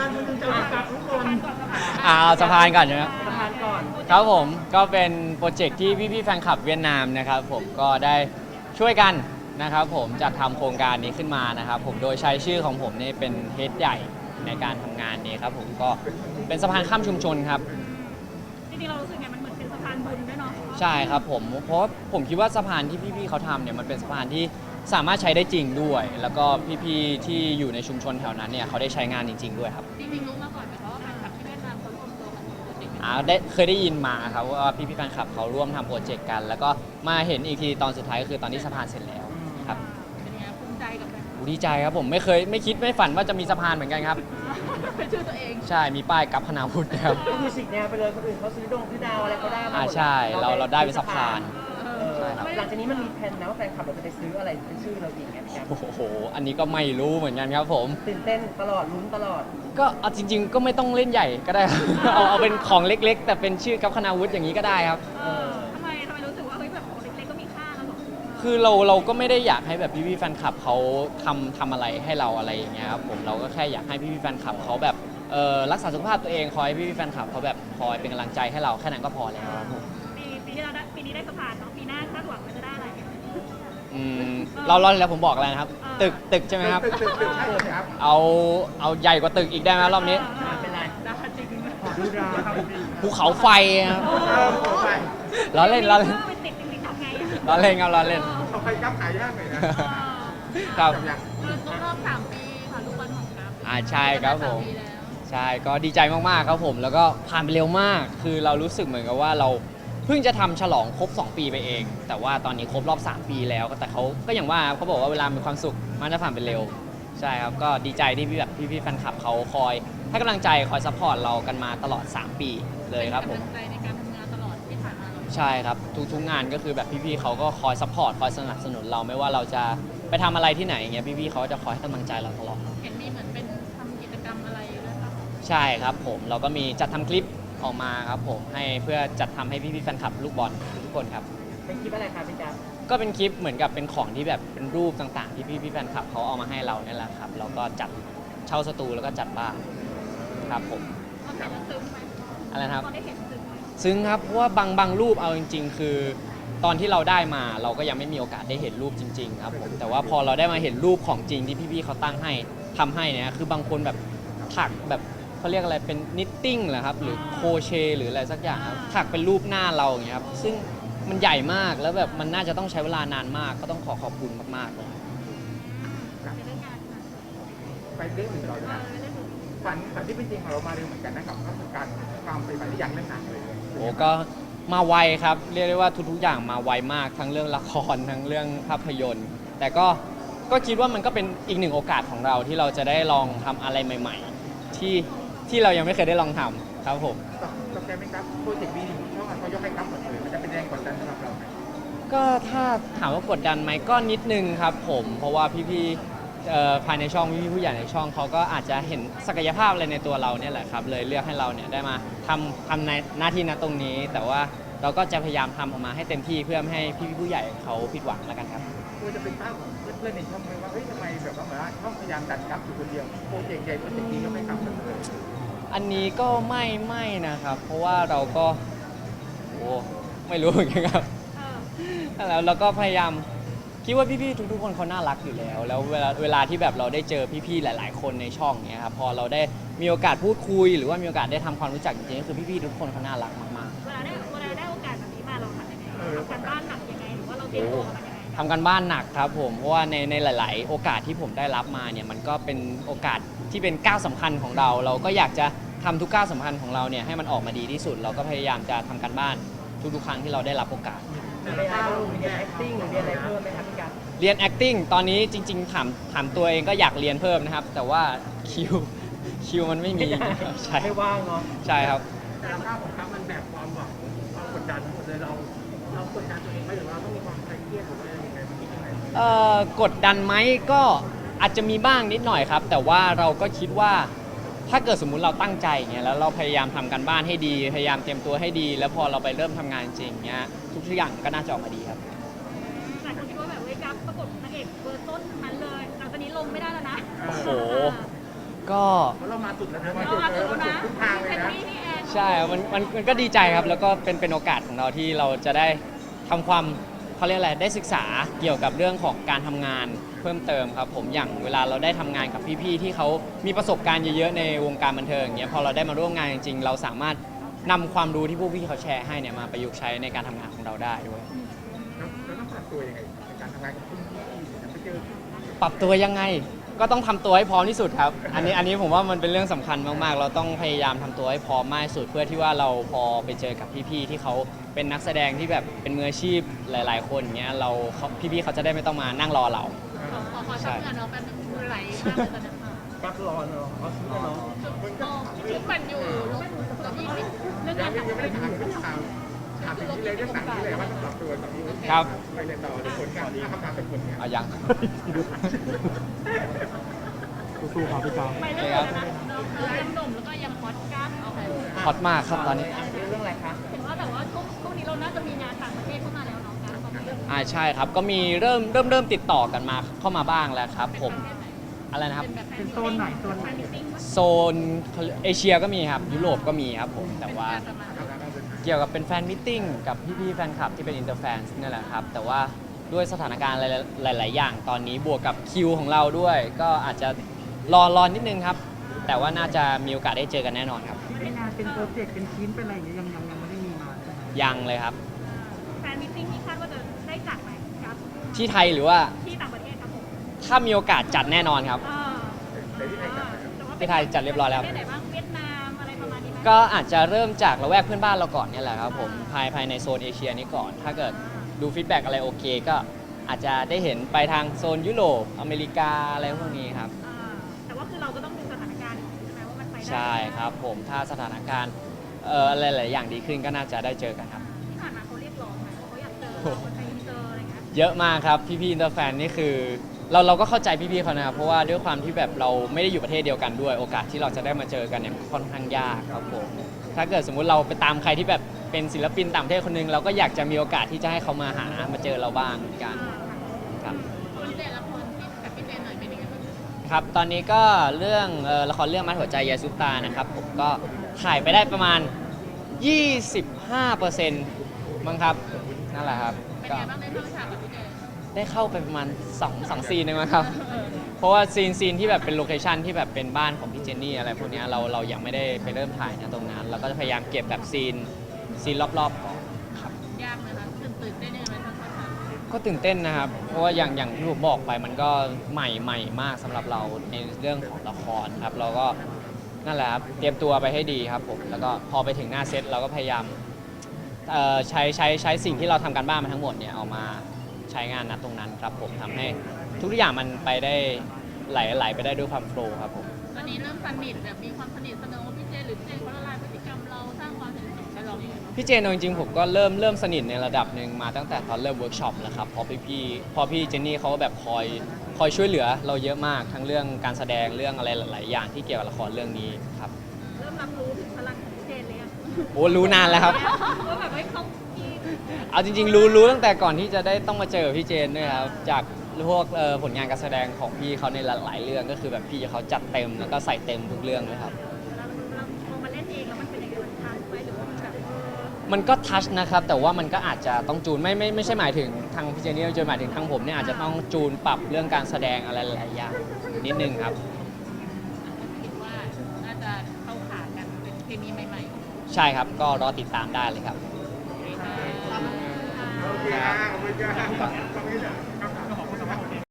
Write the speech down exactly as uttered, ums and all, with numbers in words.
านคนหนึงจะเอาจากทุกคนอ่าเอาสะพานก่อนนะครับสะพานก่อนครับผมก็เป็นโปรเจกต์ที่พี่ๆแฟนคลับเวียดนามนะครับผมก็ได้ช่วยกันนะครับผมจัดทำโครงการนี้ขึ้นมานะครับผมโดยใช้ชื่อของผมนี่เป็นเฮดใหญ่ในการทำงานนี้ครับผมก็เป็นสะพานข้ามชุมชนครับจริงๆเรารู้สึกไงมันเหมือนเป็นสะพานบุญด้วยเนาะใช่ครับผมเพราะผมคิดว่าสะพานที่พี่ๆเขาทำเนี่ยมันเป็นสะพานที่สามารถใช้ได้จริงด้วย แล้วก็พี่ๆที่อยู่ในชุมชนแถวนั้นเนี่ยเขาได้ใช้งานจริง ๆด้วยครับจริงๆรู้มาก่อนไหมคะว่าแฟนคลับที่เวียดนามเขารวมตัวกันทำโปรเจกต์นี้อ่าได้เคยได้ยินมาครับว่าพี่ๆแฟนคลับเขาร่วมทำโปรเจกต์กัน แล้วก็มาเห็นอีกทีตอนสุดท้ายก็คือตอนที่สะพานเสร็จแล้วครับเป็นยังไงภูมิใจกับแฟนโอ้ดีใจครับผมไม่เคยไม่คิดไม่ฝันว่าจะมีสะพานเหมือนกันครับเป็นชื่อตัวเองใช่มีป้ายกับพนาวุฒินะครับก็คือสิกแนวไปเลยคนอื่นเขาซื้อดงซื้อดาวอะไรเขาได้มาหมดอ่าใช่เราเราได้เป็นสะพานเออหลังจากนี้มันมีแผนนะว่าแฟนคลับเราจะไปซื้ออะไรเป็นชื่อเราอีกไงพี่แก๊ปโอ้โหอันนี้ก็ไม่รู้เหมือนกันครับผมตื่นเต้นตลอดลุ้นตลอดก็เอาจริง ๆ ก็ไม่ต้องเล่นใหญ่ก็ได้ครับ เอาเอาเป็นของเล็ก ๆ แต่เป็นชื่อกับคณาวุฒิอย่างนี้ก็ได้ครับเออทำไมทำไมรู้สึกว่าเฮ้ยแบบของเล็กๆก็มีค่าแล้วหรอคือเราเราก็ไม่ได้อยากให้แบบพี่ๆแฟนคลับเขาทำทำอะไรให้เราอะไรอย่างเงี้ยครับผมเราก็แค่อยากให้พี่ๆแฟนคลับเขาแบบเออรักษาสุขภาพตัวเองคอยให้พี่ๆแฟนคลับเขาแบบคอยเป็นกำลังใจให้เราแค่นั้นก็พอแล้วครับผมปีปีที่เราได้ปีนี้ได้สะพานเนาะปีหน้าคาดหวังว่าจะได้อะไรอืมเราเราแล้วผมบอกอะไรนะครับ ตึกตึกใช่ไหมครับตึกตึกตึกใช่ครับเอาเอาใหญ่กว่าตึกอีกได้ไหมรอบนี้อ่าเป็นไรได้จริงขอดูดาวภูเขาไฟครับเออขอไปล้อเล่นล้อเล่นไปติดติดทำไงล้อเล่นครับล้อเล่นเขาไปกับขายยากหน่อยนะครับครบรอบสามปีค่ะลูกบอลของกัฟอ่าใช่ครับผมสาปีแล้วใช่ก็ดีใจมาก ๆ ครับผม แล้วก็ผ่านไปเร็วมาก คือเรารู้สึกเหมือนกับว่าเราเพิ่งจะทำฉลองครบ สอง ปีไปเอง แต่ว่าตอนนี้ครบรอบ สาม ปีแล้วแต่เขาก็อย่างว่าเขาบอกว่าเวลามีความสุขมันจะผ่านไปเร็ว ใช่ครับ ก็ดีใจที่พี่แบบพี่ๆแฟนคลับเขาคอยให้กำลังใจคอยซัพพอร์ตเรากันมาตลอด สาม ปีเลยครับผมเป็นกำลังใจในการทำงานตลอดที่ผ่านมาเราใช่ครับ ทุกๆงานก็คือแบบพี่ๆเขาก็คอยซัพพอร์ตคอยสนับสนุนเราไม่ว่าเราจะไปทำอะไรที่ไหนอย่างเงี้ยพี่ๆเขาจะคอยให้กำลังใจเราตลอดเห็นมีเหมือนเป็นทำกิจกรรมอะไรด้วยป่ะใช่ครับผมเราก็มีจัดทำคลิปออกมาครับผมให้เพื่อจัดทำให้พี่ๆแฟนคลับลูกบอลทุกคนครับเป็นคลิปอะไรครับพี่แก๊ปก็เป็นคลิปเหมือนกับเป็นของที่แบบเป็นรูปต่างๆ ที่พี่ๆแฟนคลับเขาเอามาให้เราเนี่ยแหละครับเราก็จัดเช่าสตูแล้วก็จัดบ้านครับผมตอนเห็นแล้วซึ้งไหมอะไรนะครับตอนได้เห็นซึ้งไหมซึ่งครับเพราะว่าบางบางรูปเอาจริง ๆ คือ ตอนที่เราได้มาเราก็ยังไม่มีโอกาสได้เห็นรูปจริงๆครับผมแต่ว่าพอเราได้มาเห็นรูปของจริงที่พี่ๆเขาตั้งให้ทำให้เนี่ยคือบางคนแบบถักแบบเขาเรียกอะไรเป็นนิตติ้งเหรอครับหรือโครเชต์หรืออะไรสักอย่างครับถักเป็นรูปหน้าเราอย่างเงี้ยครับซึ่งมันใหญ่มากแล้วแบบมันน่าจะต้องใช้เวลานานมาก ก็ต้องขอขอบคุณมากๆเลยในเรื่องงานค่ะไปเรื่องอื่นเราเอจะอในเรื่องอื่นฝันฝันที่เป็นจริงของเรามาเร็วเหมือนกันนะครับก็คือการความไปฝันที่อยากเล่นหนังเลยโอ้ก็มาไวครับเรียกได้ว่าทุกๆอย่างมาไวมากทั้งเรื่องละครทั้งเรื่องภาพยนตร์ แต่ก็ก็คิดว่ามันก็เป็นอีกหนึ่งโอกาสของเราที่เราจะได้ลองทำอะไรใหม่ ๆ ที่ที่เรายังไม่เคยได้ลองทำครับผมตอบตอบแทนไหมครับโปรเจกต์บีดีช่องเขายกให้ครับหมดเลยมันจะเป็นแรงกดดันสำหรับเราไหมก็ถ้าถามว่ากดดันไหมก็นิดนึงครับผมเพราะว่าพี่ๆเอ่อภายในช่องพี่ๆผู้ใหญ่ในช่องเขาก็อาจจะเห็นศักยภาพอะไรในตัวเราเนี่ยแหละครับเลยเลือกให้เราเนี่ยได้มาทำทำในหน้าที่ณตรงนี้ แต่ว่าเราก็จะพยายามทำออกมาให้เต็มที่เพื่อไม่ให้พี่ๆผู้ใหญ่เขาผิดหวังแล้วกันครับควรจะเป็นภาพของเพื่อนๆในช่องไหมว่าเฮ้ยทำไมแบบว่าเหมือนว่าช่องพยายามดันครับอยู่คนเดียวโปรเจกต์ใหญ่โปรเจกต์นี้ก็ไม่ครับหมดเลยอันนี้ก็ไม่ไม่นะครับ เพราะว่าเราก็โอ้ไม่รู้เหมือนกันครับเออแล้วเราก็พยายามคิดว่าพี่ๆทุกๆคนเขาน่ารักอยู่แล้ว แล้วเวลาเวลาที่แบบเราได้เจอพี่ๆหลาย ๆ คนในช่องเนี้ยครับพอเราได้มีโอกาสพูดคุย หรือว่ามีโอกาสได้ทำความรู้จักจริงๆก็คือพี่ๆทุกคนเขาน่ารักมากเวลาได้เวลาได้โอกาสแบบนี้มาเราทำยังไงทำการบ้านหนักยังไงหรือว่าเราเตรียมตัวมันยังไงๆทำกันบ้านหนักครับผมเพราะว่าในในหลาย ๆ โอกาสที่ผมได้รับมาเนี่ยมันก็เป็นโอกาสที่เป็นก้าวสำคัญของเรา เราก็อยากจะทำทุกก้าวสำคัญของเราเนี่ยให้มันออกมาดีที่สุด เราก็พยายามจะทำกันบ้านทุกๆครั้งที่เราได้รับโอกาสมีเรียนอะไรบ้างมีเรียน acting หรือเรียนอะไรเพิ่มไหมครับพี่แก๊ปเรียน acting ตอนนี้จริง ๆ ถามถามตัวเองก็อยากเรียนเพิ่มนะครับ แต่ว่าคิวคิวมันไม่มีใช่ไม่ว่างเนาะใช่ครับแต่ภาพของครับมันแบบความหวังความกดดันทั้งหมดเลยเราเรากดดันตัวเองไหมหรือว่าต้องมีความเครียดหรือว่าอะไรยังไงมันคิดยังไงเอ่อกดดันไหมก็อาจจะมีบ้างนิดหน่อยครับ แต่ว่าเราก็คิดว่าถ้าเกิดสมมุติเราตั้งใจอย่างเงี้ยแล้วเราพยายามทำกันบ้านให้ดี พยายามเตรียมตัวให้ดี แล้วพอเราไปเริ่มทำงานจริงเงี้ยทุกอย่างก็น่าจะออกมาดีครับหลายคนคิดว่าแบบเว้ยกัฟประกบนางเอกเบอร์ต้นทั้งนั้นเลยหลังจากนี้ลงไม่ได้แล้วนะโอ้โหก็เพราะเรามาสุดแล้วนะเรามาถึงแล้วนะทุกทางเลยเป็นนะพี่พี่แอนใช่มันมันมันก็ดีใจครับ แล้วก็เป็นเป็นโอกาสของเราที่เราจะได้ทำความเขาเรียกอะไรได้ศึกษาเกี่ยวกับเรื่องของการทำงานเพิ่มเติมครับผมอย่างเวลาเราได้ทำงานกับพี่ๆที่เขามีประสบการณ์เยอะๆในวงการบันเทิงอย่างเงี้ยพอเราได้มาร่วมงานจริงๆ เราสามารถนำความรู้ที่พวกพี่เขาแชร์ให้เนี่ยมาประยุกต์ใช้ในการทำงานของเราได้ด้วยแล้วเราต้องปรับตัวยังไงในการทำงานกับคุณพี่จะไปเจอปรับตัวยังไงก็ต้องทำตัวให้พร้อมที่สุดครับ อันนี้อันนี้ผมว่ามันเป็นเรื่องสำคัญมากๆ เราต้องพยายามทำตัวให้พร้อมมากที่สุด เพื่อที่ว่าเราพอไปเจอกับพี่ๆที่เขาเป็นนักแสดงที่แบบเป็นมืออาชีพหลาย ๆ คนอย่างเงี้ยเราเขาพี่ๆเขาจะได้ไม่ต้องมานั่งรอเราขอขอขอทำงานเราแป๊บนึงมือไหลมากเลยตอนนั้นค่ะกักรอเนาะเอาซื้อเนาะชุดมันอยู่ลูกตัวยี่สิบเรื่องยักาง รไม่ทำยังงาไม่นได้ถามไม่ได้ถามถามถึงนี้เลยเรื่องหนังนี่เลยว่าต้องปรับตัวกับพี่ครับไปเลยต่อเลยผลงานคำถามเป็นผลงานเอายังสู้ๆครับพี่จอมไปเรื่องอะไรนะน้องยังหนุ่มแล้วก็ยังฮอตก้าเอาไปฮอตมากครับตอนนี้เรื่องอะไรคะเห็นว่าแบบว่าช่วงช่วงนี้เราน่าจะมีงานต่างประเทศเข้ามาแล้วเนาะการตอนนี้อ่าใช่ครับก็มีเริ่มเริ่มเริ่มติดต่อกันมาเข้ามาบ้างแล้วครับผมอะไรนะครับเป็นโซนไหนโซนไหนมิติ้งโซนเอเชียก็มีครับยุโรปก็มีครับผมแต่ว่าเกี่ยวกับเป็นแฟนมิทติ้งกับพี่ๆแฟนคลับที่เป็นอินเตอร์แฟนนี่แหละครับแต่ว่าด้วยสถานการณ์หลาย ๆ อย่างตอนนี้บวกกับคิวของเราด้วย ก็อาจจะรอรอนิดนึงครับ แต่ว่าน่าจะมีโอกาสได้เจอกันแน่นอนครับเป็นงานเป็นโปรเจกต์เป็นชิ้นเป็นอะไรอย่างเงี้ยยังยังยังไม่ได้มีมาใช่ไหมยังเลยครับแฟนมิติ้งที่คาดว่าจะได้จัดไหมครับที่ไทยหรือว่าที่ต่างประเทศครับผมถ้ามีโอกาสจัดแน่นอนครับอ่าแต่ที่ไทยจัดนะที่ไทยจัดเรียบร้อยแล้วประเทศไหนบ้างเวียดนามอะไรประมาณนี้ไหมก็อาจจะเริ่มจากละแวกเพื่อนบ้านเราก่อนเนี่ยแหละครับผมภายภายในโซนเอเชียนี้ก่อน ถ้าเกิดดูฟีดแบ็กอะไรโอเค ก็อาจจะได้เห็นไปทางโซนยุโรปอเมริกาอะไรพวกนี้ครับอ่าแต่ว่าคือเราก็ต้องดูสถานการณ์ใช่ไหมว่ามันไปได้ใช่ครับผมถ้าสถานการณ์เอ่ออะไรหลายอย่างดีขึ้นก็น่าจะได้เจอกันครับที่ผ่านมาเขาเรียกร้องไหมว่าเขาอยากเจอเราคนไทยเจออะไรเงี้ยเยอะมากครับพี่ๆอินเตอร์แฟนนี่คือเราเราก็เข้าใจพี่ๆเขานะครับเพราะว่าด้วยความที่แบบเราไม่ได้อยู่ประเทศเดียวกันด้วย โอกาสที่เราจะได้มาเจอกันเนี่ยค่อนข้างยากครับผมถ้าเกิดสมมุติเราไปตามใครที่แบบเป็นศิลปินต่างประเทศคนหนึงเราก็อยากจะมีโอกาสที่จะให้เขามาหามาเจอเราบ้างเหมือนกันครับคนเด่นละคนที่กับพี่เจนหน่อยเป็นยังไงบ้างครับตอนนี้ก็เรื่องเอ่อละครเรื่องมัดหัวใจยายซุปตานะครับผมก็ถ่ายไปได้ประมาณ ยี่สิบห้าเปอร์เซ็นต์ มั้งครับนั่นแหละครับเป็นก็ยังไงบ้างได้เข้าฉากกับพี่เจนได้เข้าไปประมาณ2 2ซีนเองมั้งครับ เพราะว่าซีนซีนที่แบบเป็นโลเคชันที่แบบเป็นบ้านของพี่เจนนี่อะไรพวกเนี้ยเราเรายังไม่ได้ไปเริ่มถ่ายนะตรงนั้นเราก็จะพยายามเก็บแบบซีนซีนรอบๆก่อนครับยากไหมคะตื่นตื่นได้ยังไงบ้างคะก็ตื่นเต้นนะครับ เพราะว่าอย่างอย่างที่ผมบอกไปมันก็ใหม่ใหม่มากสำหรับเราในเรื่องของละครครับ เราก็นั่นแหละครับเตรียมตัวไปให้ดีครับผมแล้วก็พอไปถึงหน้าเซตเราก็พยายามเอ่อใช้ใช้ใช้สิ่งที่เราทำการบ้านมาทั้งหมดเนี่ยเอามาใช้งานณตรงนั้นครับผมทำให้ทุกอย่างมันไปได้ไหลไหลไปได้ด้วยความโฟล์ครับผมตอนนี้เริ่มสนิทแบบมีความสนิทสนมกับพี่เจนหรือพี่เจนเขาละลายพฤติกรรมเราสร้างความสนิทสนมกับเราอย่างไรบ้างพี่เจนเอาจริงๆผมก็เริ่มเริ่มสนิทในระดับหนึ่งมาตั้งแต่ตอนเริ่มเวิร์กช็อปแล้วครับเพอพี่พี่พอพี่เจนนี่เขาก็แบบคอยคอยช่วยเหลือเราเยอะมากทั้งเรื่องการแสดงเรื่องอะไรหลายๆอย่างที่เกี่ยวกับละครเรื่องนี้ครับเริ่มรับรู้ถึงพลังของพี่เจนเลยอะโอ้รู้นานแล้วครับว่าแบบว่าเขามีเอาจริงๆ รู้รู้ตั้งแต่ก่อนที่จะได้ต้องมาเจอพี่เจนด้วยครับจากพวกเอ่อผลงานการแสดงของพี่เขาในหลายๆเรื่องก็คือแบบพี่เขาจัดเต็มแล้วก็ใส่เต็มทุกเรื่องเลยครับเวลาเราพอมาเล่นเองแล้วมันเป็นยังไงมันทันไหมหรือว่ามันแบบเออมันก็ทัชนะครับแต่ว่ามันก็อาจจะต้องจูนไม่ไม่ไม่ใช่หมายถึงทางพี่เจนนี่จะหมายถึงทางผมเนี่ยอาจจะต้องจูนปรับเรื่องการแสดงอะไรหลายๆอย่างนิดนึงครับคิดว่าน่าจะเข้าขากันเป็นเคมีใหม่ๆใช่ครับก็รอติดตามได้เลยครับโอเคค่ะโอเคครับขอบคุณครับขอบคุณครับ